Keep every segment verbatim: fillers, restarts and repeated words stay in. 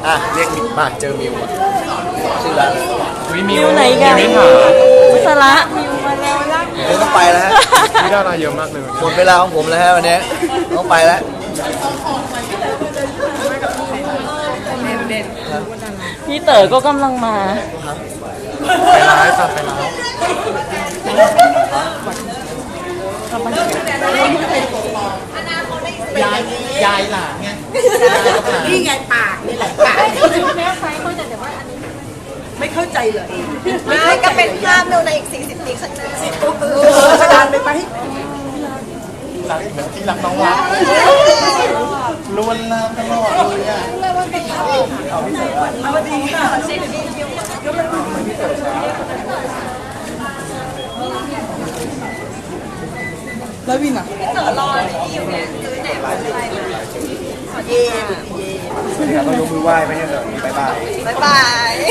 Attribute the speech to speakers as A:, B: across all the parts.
A: อ่ะเรียกมาเจอมิวอ่ะชื่อร้านอะไร
B: มิวไหนกันมิวสาระมิวมาแล้วนะ
A: เดี๋ยวต้องไปแล้วฮะ
C: มีดาราเยอะมากเลย
A: หมดเวลาของผมแล้วฮะวันนี้ต้องไปแล้ว
B: พี่เต๋อก็กำลังมา
C: ไปร้ายค่ะไปร้าย
A: ยายยายหลานไง
D: นี่ไงปากนี่แหละปากไม่เข้าใจเลย
E: ไม่ก็เป็นภาพเราในอีกสี่สิบปีข้างหน้า
D: เออขนาดไปไหม
A: หลังเหมือนที่หลังน้องรักลวนลามตลอดเลยอ่ะเอาพี่เต๋อ
D: เอาดีค่ะแล้ววินอ่ะ
E: เต๋อรอที่อยู่เนี่ยซื้อไหนมาอะไรมา
D: เย่เย่
A: ต้องยกมือไหว้ไม่ใช่เหรอบายบาย
E: บ๊ายบาย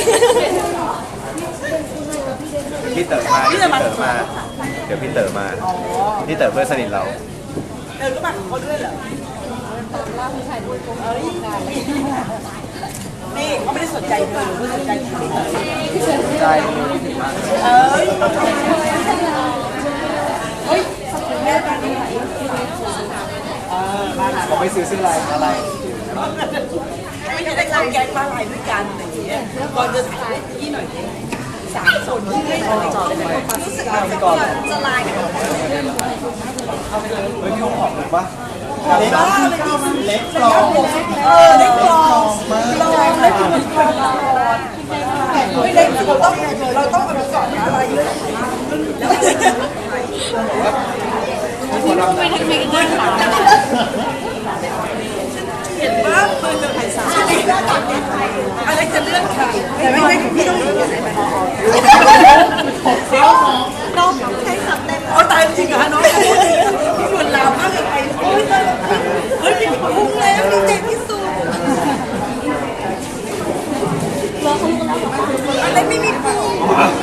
A: พี่เต๋อมาพี่เต๋อมาเดี๋ยวพี่เต๋อมาพี่เต๋อเพื่อนสนิทเรา
D: เออก็มาเขาด้วยเหรอนี่เขาไม่ได้สนใจเธอเขาสนใจเธอ
A: ใจ
D: เอ้ยเฮ้ยแม่ตอนนี้เออบ้านอะไร
A: เขาไม่ซื้อซื้ออะไรอะไร
D: ไม่ได้เข้าแก๊งบ้านอะไรด้วยกันอะไรอย่างเงี้ยก่อนจะถ่ายที่หน่อยดิสามคนที่ไม่ได้จอดเลย
E: รู้สึกว่าจะก่อนจะลายกัน
A: เฮ้ยพี่หอมหรือปะเล็กเล็กกลอง
D: เออเล็กกลองเราเล็กกลองไม่เล็กเราต้องเราต้องเอาไปก่อนอะไรเยอะเห็นว่าเพื่อนจะใครสาวอะไรจะเลือกใครแต่ไม่ไม่พี่ต้องอยู่ไหนไหม
E: น้องให้สำเร็จ
D: เอาตายจริงเหรอน้องพี่ชวนลาวมากเลยไปโอ้ยเฮ้ยพี่พุ่งแล้วดีใจที่สุดอะไรไม่มีพุ่ง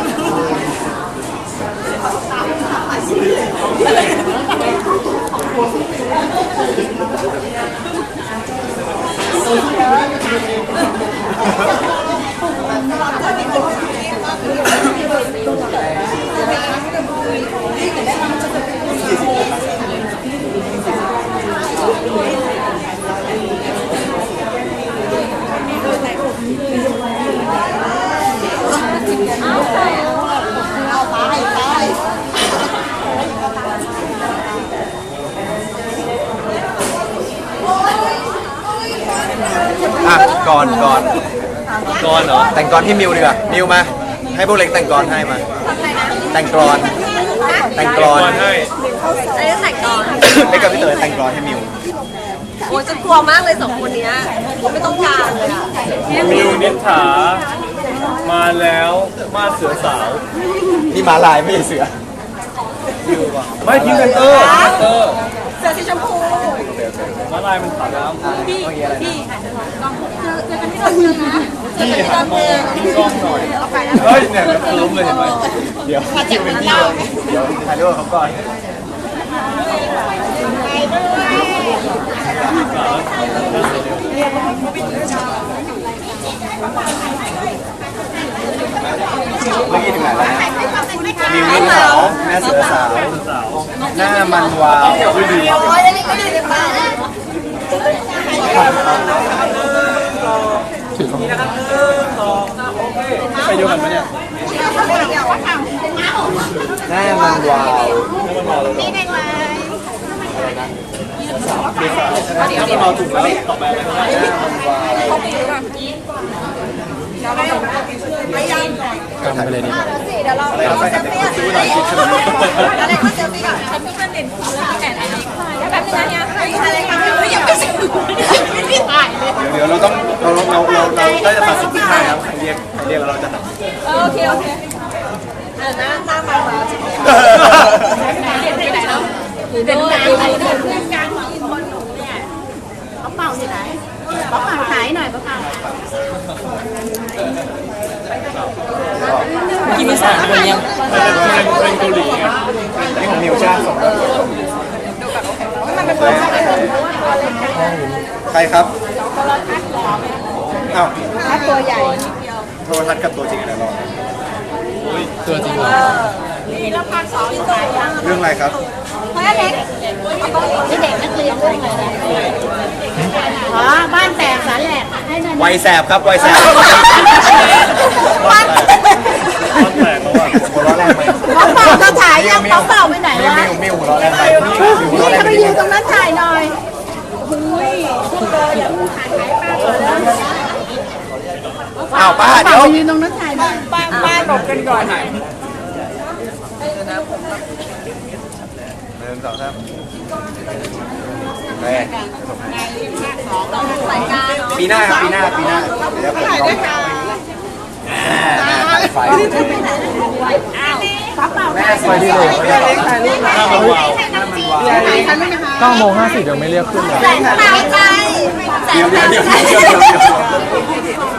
A: อ่ะก่อนก่อนก่อนเหรอแต่งกรที่มิวดีกว่ามิวมาให้พวกเล็กแต่งกรให้มาแต่งกรอนแต่งกรอนให้
E: อะไรแต่งก่อน
A: เล็กกับพี่เต๋อแต่งกรอนให้มิว
E: โอ้ยจะกลัวมากเลยสองคนนี้ไม่ต้องการเลยอ่ะ
C: มิวนิษฐามาแล้วมาเสือสาว
A: นี่มาลายไม่ใช่เสือ
C: ไม่พิงกันเตอร์เตอร์
E: เสื้อสีชมพู
C: มาลายมันผ่านน้ำ
A: พี่อะไรนะ
C: พี่หันมองพี่กล้องหน่อยเฮ้ยเนี่ยมันคุ้มเลยเห็นไหม
A: เดี๋ยวคิวเป็นพี่เลยเดี๋ยวถ่ายรูปกับเขาก่อนเมื่อกี้ถึงไหนแล้วนะมิวนิษฐาแม่เสือสาวหน้ามันวาวดูดี
E: โอ้ยอันนี้ก็ดีเลยป้า
C: ไปดูกันไหมเนี่ย
A: หน้ามันวาว
E: นี่เด็กเลย
C: ถ้ามันมาถูกแล้วต่อไปอะไรก็ได้
A: หน้ามันวาว
C: กันไปเลยดี
E: สิเดี๋ยวเราเราเซลฟี่อะไรอะไรก็เซลฟี่ก่อนฉันเพิ่งมาเด่นแอนอะไรแล้วแบบนี้เนี่ยอะไรกันไม่ยังไม่ถึงไม่ได้ถ่ายเลย
A: เดี๋ยวเราต้องเราเราเราเราได้จะตัดสินที่ให้ครับใครเรียกใครเรียกแล้วเราจะตัด
E: โอเคโอเคหน้าหน้ามามาจริงเด่นไปไหนแล้วเด่นไปไหนเด่นเพื่อนกลางมีคนหนูเนี่ยเขาเป่าที่ไหนเขาเป่าหายหน่อยเขาเป่า
B: กินมีสามคนยัง
C: เป็นเกาหลีไง
A: นี่ของมิวใช่ไหมส่งแล้วใครครับอ้าว
E: ถ้าตัวใหญ่
A: โทรทัศน์กับตัวจริงอะไรรอ
C: ตัวจริงเหรอ
E: นี่แล้วภาคสองอยู่ไหนอ่ะ
A: เรื่องอะไรครับ
E: เพราะเด็กนี่เด็กนักเรียนเรื่องอะไรนะอ๋อบ้านแตกสาแหลกให้นั่น
A: วัยแสบครับวัยแสบ
E: บ้าน
C: ร้อนแตกแล้วอ่ะ
A: หัวเราะแรงไป
E: หมอเป่าจะถ่ายยังหมอเป่าไปไหน
A: มิว
E: วะ
A: มิวมิวหัวเราะแรงไปมิวหัว
E: นี่
A: เราะแรง
E: จะ
A: ไป
E: ไปยืนตรงนั้นถ่ายหน่อยอุ้ยพวกเราอย่าพูดถ่ายถ่ายป้าก่อนนะ
A: อ้าวป้า
E: เป่า
A: เดี๋ยว
E: ไปยืนตรงนั้นถ่ายหน่อยป้าป้าหลบกันก่อน
A: หนึ่งสองสามไปปีหน้าครับปีหน้าปีหน้าเดี๋ยวผมลองไฟ
E: ป้าเป่า
A: แม่สวยที่สุด
C: หน้ามันวาว
E: เก้าโมง
C: ห้าสิบยังไม่เรียกขึ้นเลย
E: แสงตายใจ
A: เดี๋ยวเดี๋ยวเดี๋ยวเดี๋ยวเดี๋ยว